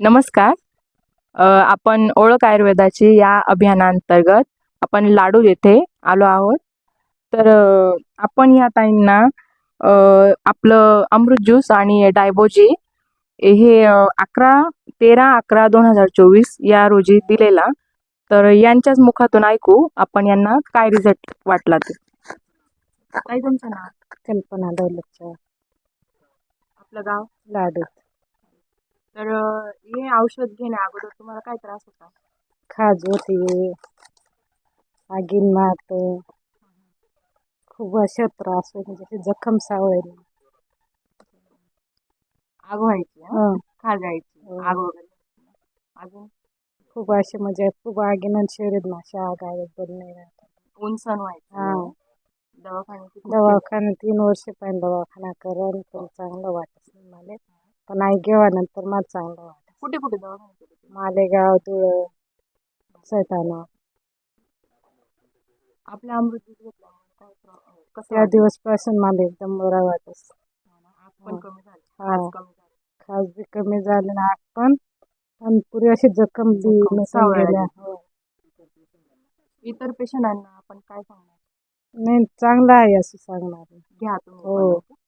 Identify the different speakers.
Speaker 1: नमस्कार. आपण ओळख आयुर्वेदाची या अभियानांतर्गत आपण लाडू येथे आलो आहोत. तर आपण या ताईंना अ, आपलं अमृत ज्यूस आणि डायबोजी हे 13/11/2024 या रोजी दिलेला. तर यांच्याच मुखातून ऐकू आपण यांना काय रिझल्ट वाटला ते. ताई, तुमचं नाव?
Speaker 2: कल्पना दौलतच्या
Speaker 1: आपलं गाव?
Speaker 2: लाडू.
Speaker 1: तर हे औषध घेण्या अगोदर तुम्हाला काय त्रास होता?
Speaker 2: खाज होती, आगीन मारतो, खूप अशा त्रास होतो, म्हणजे जखम सावळली.
Speaker 1: आग व्हायची,
Speaker 2: हं.
Speaker 1: खाजायची, आग वगैरे. अजून
Speaker 2: खूप असे म्हणजे खूप आगीनं शरीर अशा आग आहे बंद नाही राहत.
Speaker 1: ऊन सण व्हायचं.
Speaker 2: हा.
Speaker 1: दवाखान्यात
Speaker 2: दवाखाना 3 वर्ष पण दवाखाना करून पण चांगलं वाटत नाही मला. पण आई गेल्यानंतर मला चांगलं वाटत.
Speaker 1: कुठे कुठे दवाखाने केले तुम्ही?
Speaker 2: मालेगाव, धुळं, सैताना.
Speaker 1: आपल्या अमृत दूध घेतल्यामुळे काय कसं
Speaker 2: त्या
Speaker 1: वाटलं?
Speaker 2: दिवसपासून मला एकदम बरं वाटत.
Speaker 1: आग पण कमी झाली,
Speaker 2: हा.
Speaker 1: खाज कमी झाली.
Speaker 2: खास बी कमी झाले ना, आग पण आणि पुरी अशी जखम बी नसून
Speaker 1: सावळ्या
Speaker 2: गेल्या.
Speaker 1: गेल्या. इतर पेशंटांना आपण काय सांगणार?
Speaker 2: नाही, चांगलं आहे असं सांगणार.
Speaker 1: घ्या तुम्ही
Speaker 2: हो.
Speaker 1: पण.